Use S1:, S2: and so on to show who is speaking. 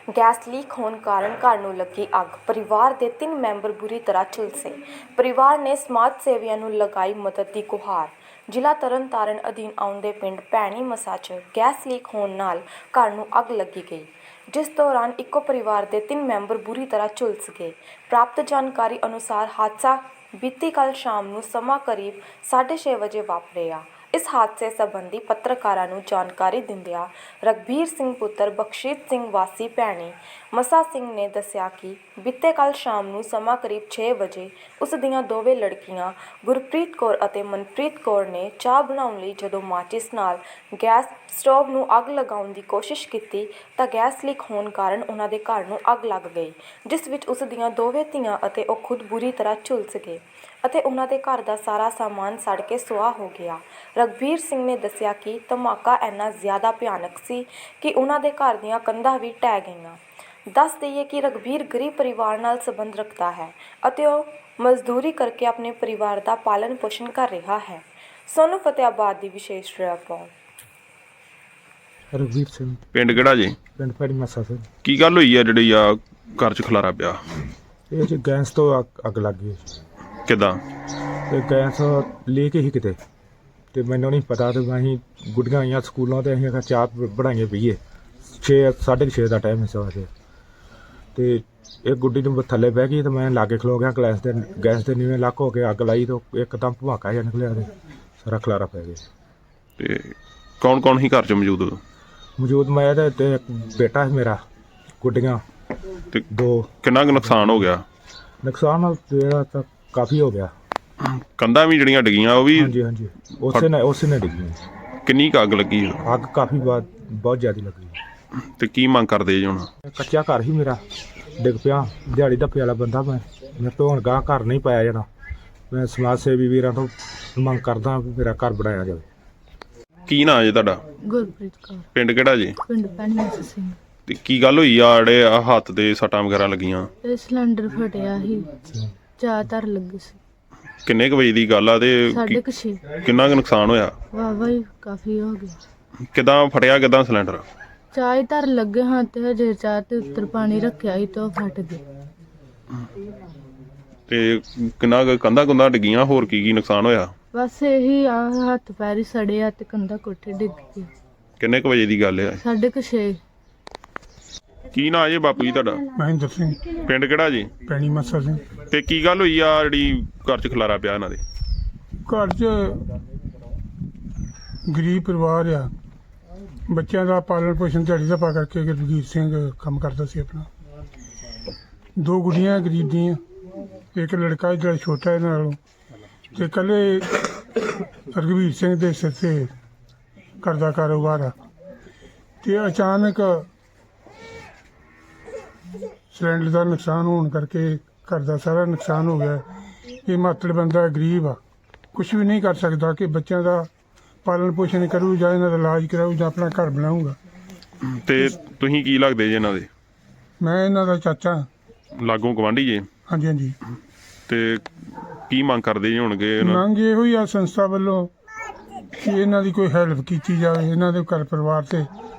S1: Gas leak ਹੋਣ ਕਾਰਨ ਘਰ ਨੂੰ ਲੱਗੀ ਅੱਗ। ਪਰਿਵਾਰ ਦੇ 3 ਮੈਂਬਰ ਬੁਰੀ ਤਰ੍ਹਾਂ ਝੁਲਸੇ। ਪਰਿਵਾਰ ਨੇ ਸਮਾਜ ਸੇਵੀਆਂ ਨੂੰ ਲਗਾਈ ਮਦਦ ਦੀ ਗੁਹਾਰ। ਜ਼ਿਲ੍ਹਾ ਤਰਨਤਾਰਨ ਅਧੀਨ ਆਉਂਦੇ ਪਿੰਡ ਭੈਣੀ ਮੱਸਾ 'ਚ ਗੈਸ ਲੀਕ ਹੋਣ ਨਾਲ ਘਰ ਨੂੰ ਅੱਗ ਲੱਗੀ ਗਈ, ਜਿਸ ਦੌਰਾਨ ਇੱਕੋ ਪਰਿਵਾਰ ਦੇ 3 ਮੈਂਬਰ ਬੁਰੀ ਤਰ੍ਹਾਂ ਝੁਲਸ ਗਏ। ਪ੍ਰਾਪਤ ਜਾਣਕਾਰੀ ਅਨੁਸਾਰ ਹਾਦਸਾ ਬੀਤੀ ਕੱਲ੍ਹ ਸ਼ਾਮ ਨੂੰ ਸਮਾਂ ਕਰੀਬ 6:30 ਵਜੇ ਵਾਪਰਿਆ। ਇਸ ਹਾਦਸੇ ਸੰਬੰਧੀ ਪੱਤਰਕਾਰਾਂ ਨੂੰ ਜਾਣਕਾਰੀ ਦਿੰਦਿਆਂ ਰਘਬੀਰ ਸਿੰਘ ਪੁੱਤਰ ਬਖਸ਼ੀਤ ਸਿੰਘ ਵਾਸੀ ਭੈਣੀ ਮੱਸਾ ਸਿੰਘ ਨੇ ਦੱਸਿਆ ਕਿ ਬੀਤੇ ਕੱਲ੍ਹ ਸ਼ਾਮ ਨੂੰ ਸਮਾਂ ਕਰੀਬ 6 ਵਜੇ ਉਸ ਦੀਆਂ ਦੋਵੇਂ ਲੜਕੀਆਂ ਗੁਰਪ੍ਰੀਤ ਕੌਰ ਅਤੇ ਮਨਪ੍ਰੀਤ ਕੌਰ ਨੇ ਚਾਹ ਬਣਾਉਣ ਲਈ ਜਦੋਂ ਮਾਚਿਸ ਨਾਲ ਗੈਸ ਸਟੋਵ ਨੂੰ ਅੱਗ ਲਗਾਉਣ ਦੀ ਕੋਸ਼ਿਸ਼ ਕੀਤੀ ਤਾਂ ਗੈਸ ਲੀਕ ਹੋਣ ਕਾਰਨ ਉਹਨਾਂ ਦੇ ਘਰ ਨੂੰ ਅੱਗ ਲੱਗ ਗਈ, ਜਿਸ ਵਿੱਚ ਉਸ ਦੀਆਂ ਦੋਵੇਂ ਧੀਆਂ ਅਤੇ ਉਹ ਖੁਦ ਬੁਰੀ ਤਰ੍ਹਾਂ ਝੁਲਸ ਗਏ ਅਤੇ ਉਹਨਾਂ ਦੇ ਘਰ ਦਾ ਸਾਰਾ ਸਾਮਾਨ ਸੜ ਕੇ ਸੁਆਹ ਹੋ ਗਿਆ। ਰਘਬੀਰ ਸਿੰਘ ਨੇ ਦੱਸਿਆ ਕਿ ਧਮਾਕਾ ਇੰਨਾ ਜ਼ਿਆਦਾ ਭਿਆਨਕ ਸੀ ਕਿ ਉਹਨਾਂ ਦੇ ਘਰ ਦੀਆਂ ਕੰਧਾਂ ਵੀ ਢਹਿ ਗਈਆਂ। ਦੱਸ ਦਈਏ ਕਿ ਰਘਬੀਰ ਗਰੀਬ ਪਰਿਵਾਰ ਨਾਲ ਸੰਬੰਧ ਰੱਖਦਾ ਹੈ ਅਤੇ ਉਹ ਮਜ਼ਦੂਰੀ ਕਰਕੇ ਆਪਣੇ ਪਰਿਵਾਰ ਦਾ ਪਾਲਣ ਪੋਸ਼ਣ ਕਰ ਰਿਹਾ ਹੈ। ਸੋਨੂੰ ਫਤਿਆਬਾਦ ਦੀ ਵਿਸ਼ੇਸ਼ ਰਿਪੋਰਟ।
S2: ਰਘਬੀਰ ਸਿੰਘ।
S3: ਪਿੰਡ ਕਿਹੜਾ ਜੀ?
S2: ਪਿੰਡ ਭੈਣੀ ਮੱਸਾ ਸਿੰਘ।
S3: ਕੀ ਗੱਲ ਹੋਈ ਆ ਜਿਹੜੀ ਆ ਘਰ 'ਚ ਖਲਾਰਾ ਪਿਆ?
S2: ਇਹ 'ਚ ਗੈਸ ਤੋਂ ਅੱਗ ਲੱਗ ਗਈ।
S3: ਕਿੱਦਾਂ?
S2: ਤੇ ਗੈਸ ਲੀਕ ਹੀ ਕਿਤੇ, ਤੇ ਮੈਨੂੰ ਨਹੀਂ ਪਤਾ। ਤੇ ਅਸੀਂ ਗੁੱਡੀਆਂ ਆਈਆਂ ਸਕੂਲੋਂ ਤੇ ਅਸੀਂ ਆਖਿਆ ਚਾਹ ਬਣਾਈਏ ਪੀਏ। 6:30 ਦਾ ਟਾਈਮ ਸੀ ਸਵੇਰ ਦੇ। ਤੇ ਇਹ ਗੁੱਡੀ ਨੂੰ ਥੱਲੇ ਬਹਿ ਗਈ ਤੇ ਮੈਂ ਲਾਗੇ ਖਲੋ ਗਿਆ। ਗੈਸ ਦੇ ਨੀਵੇਂ ਲੱਕ ਹੋ ਕੇ ਅੱਗ ਲਾਈ ਤੇ ਇੱਕਦਮ ਧਮਾਕਾ ਜਿਹਾ ਨਿਕਲਿਆ ਤੇ ਸਾਰਾ ਖਲਾਰਾ ਪੈ ਗਿਆ।
S3: ਤੇ ਕੌਣ ਕੌਣ ਸੀ ਘਰ 'ਚ ਮੌਜੂਦ?
S2: ਮੈਂ ਤੇ ਇੱਕ ਬੇਟਾ ਸੀ ਮੇਰਾ, ਗੁੱਡੀਆਂ
S3: ਤੇ
S2: 2।
S3: ਕਿੰਨਾ ਕੁ ਨੁਕਸਾਨ ਹੋ ਗਿਆ?
S2: ਨੁਕਸਾਨ ਜਿਹੜਾ ਤਾਂ ਕਾਫੀ ਹੋ ਗਿਆ।
S3: ਕੰਧਾਂ ਵੀ ਜਿਹੜੀਆਂ ਡਿੱਗੀਆਂ ਉਹ ਵੀ?
S2: ਹਾਂਜੀ ਉਸੇ ਨੇ ਡਿੱਗੀਆਂ।
S3: ਕਿੰਨੀ ਕੁ ਅੱਗ ਲੱਗੀ?
S2: ਅੱਗ ਕਾਫੀ ਬਹੁਤ ਜ਼ਿਆਦਾ ਲੱਗੀ।
S3: ਤੇ ਕੀ ਮੰਗ ਕਰਦੇ ਜੀ ਹੁਣ?
S2: ਕੱਚਾ ਘਰ ਹੀ ਮੇਰਾ ਡਿੱਗ ਪਿਆ। ਦਿਹਾੜੀ ਧੱਪੇ ਵਾਲਾ ਬੰਦਾ ਮੈਂ ਤੋਂ ਹੁਣ ਗਾਂ ਘਰ ਨਹੀਂ ਪਾਇਆ ਜਾਣਾ। ਮੈਂ ਸਮਾਜ ਸੇਵੀ ਵੀਰਾਂ ਤੋਂ ਮੰਗ ਕਰਦਾ ਵੀ ਮੇਰਾ ਘਰ ਬਣਾਇਆ ਜਾਵੇ।
S3: ਕੀ ਨਾਂ ਜੀ ਤੁਹਾਡਾ?
S4: ਗੁਰਪ੍ਰੀਤ ਕੌਰ।
S3: ਪਿੰਡ ਕਿਹੜਾ ਜੀ?
S4: ਪਿੰਡ ਭੈਣੀ ਮੱਸਾ ਸਿੰਘ।
S3: ਤੇ ਕੀ ਗੱਲ ਹੋਈ ਆ ਜਿਹੜੇ ਆ ਹੱਥ ਦੇ ਸੱਟਾਂ ਵਗੈਰਾ ਲੱਗੀਆਂ?
S4: ਇਹ ਸਿਲੰਡਰ ਫਟਿਆ ਸੀ, ਚਾਹ ਧਰ ਲੱਗੀ ਸੀ।
S3: ਕਿੰਨੇ ਕੁ ਵਜੇ ਦੀ ਗੱਲ ਆ ਤੇ
S4: 6:30।
S3: ਕਿੰਨਾ ਕੁ ਨੁਕਸਾਨ ਹੋਇਆ?
S4: ਵਾਹ ਹੀ ਕਾਫੀ ਹੋ ਗਿਆ।
S3: ਕਿੱਦਾਂ ਫਟਿਆ? ਕਿੱਦਾਂ ਸਿਲੰਡਰ?
S4: ਚਾਹ ਹੀ ਧਰ ਲੱਗੇ ਹਾਂ ਤੇ ਹਜੇ ਚਾਹ ਤੇ ਉੱਤਰ ਪਾਣੀ ਰੱਖਿਆ ਸੀ ਤੇ ਉਹ ਫਟ ਗਈ।
S3: ਤੇ ਕਿੰਨਾ ਕੁ ਕੰਧਾਂ ਕੁੰਧਾਂ ਡਿੱਗੀਆਂ? ਹੋਰ ਕੀ ਨੁਕਸਾਨ ਹੋਇਆ?
S4: ਬਸ ਇਹੀ ਆ, ਹੱਥ ਪੈਰ ਹੀ ਸੜੇ ਆ ਤੇ ਕੰਧਾ ਕੋਠੇ ਡਿੱਗ ਗਈ।
S3: ਕਿੰਨੇ ਕੁ ਵਜੇ ਦੀ ਗੱਲ ਆ?
S4: 6:30।
S3: ਕੀ ਨਾਂ ਜੀ ਬਾਪੂ ਜੀ ਤੁਹਾਡਾ?
S2: ਮਹਿੰਦਰ ਸਿੰਘ।
S3: ਪਿੰਡ ਕਿਹੜਾ ਜੀ?
S2: ਭੈਣੀ ਮੱਸਾ ਸਿੰਘ।
S3: ਤੇ ਕੀ ਗੱਲ ਹੋਈ ਆ ਜਿਹੜੀ ਘਰ 'ਚ ਖਲਾਰਾ ਪਿਆ ਇਹਨਾਂ ਦੇ?
S5: ਘਰ 'ਚ ਗਰੀਬ ਪਰਿਵਾਰ ਆ। ਬੱਚਿਆਂ ਦਾ ਪਾਲਣ ਪੋਸ਼ਣ ਦਿਹਾੜੀ ਧੱਪਾ ਕਰਕੇ ਰਘਬੀਰ ਸਿੰਘ ਕੰਮ ਕਰਦਾ ਸੀ ਆਪਣਾ। 2 ਗੁੱਡੀਆਂ ਗਰੀਬ ਦੀਆਂ, ਇੱਕ ਲੜਕਾ ਜਿਹੜਾ ਛੋਟਾ ਇਹਨਾਂ ਨਾਲੋਂ, ਤੇ ਇਕੱਲੇ ਰਘਬੀਰ ਸਿੰਘ ਦੇ ਸਿਰ 'ਤੇ ਘਰ ਦਾ ਕਾਰੋਬਾਰ ਆ। ਤੇ ਅਚਾਨਕ ਸਿਲੰਡਰ ਦਾ ਨੁਕਸਾਨ ਹੋਣ ਕਰਕੇ ਘਰ ਦਾ ਸਾਰਾ ਨੁਕਸਾਨ ਹੋ ਗਿਆ। ਇਹ ਮਾਤੜ ਬੰਦਾ ਗਰੀਬ ਆ, ਕੁਛ ਵੀ ਨਹੀਂ ਕਰ ਸਕਦਾ ਕਿ ਬੱਚਿਆਂ ਦਾ ਪਾਲਣ ਪੋਸ਼ਣ ਕਰੂ ਜਾਂ ਇਹਨਾਂ ਦਾ ਇਲਾਜ ਕਰਾਊ ਜਾਂ ਆਪਣਾ ਘਰ ਬਣਾਊਗਾ।
S3: ਤੇ ਤੁਸੀਂ ਕੀ ਲੱਗਦੇ ਜੀ ਇਹਨਾਂ ਦੇ?
S5: ਮੈਂ ਇਹਨਾਂ ਦਾ ਚਾਚਾ।
S3: ਲਾਗੋਂ ਗਵਾਂਢੀ ਜੀ?
S5: ਹਾਂਜੀ।
S3: ਤੇ ਕੀ ਮੰਗ ਕਰਦੇ ਜੀ ਹੋਣਗੇ?
S5: ਮੰਗ ਇਹੋ ਹੀ ਆ ਸੰਸਥਾ ਵੱਲੋਂ ਕਿ ਇਹਨਾਂ ਦੀ ਕੋਈ ਹੈਲਪ ਕੀਤੀ ਜਾਵੇ, ਇਹਨਾਂ ਦੇ ਘਰ ਪਰਿਵਾਰ ਤੇ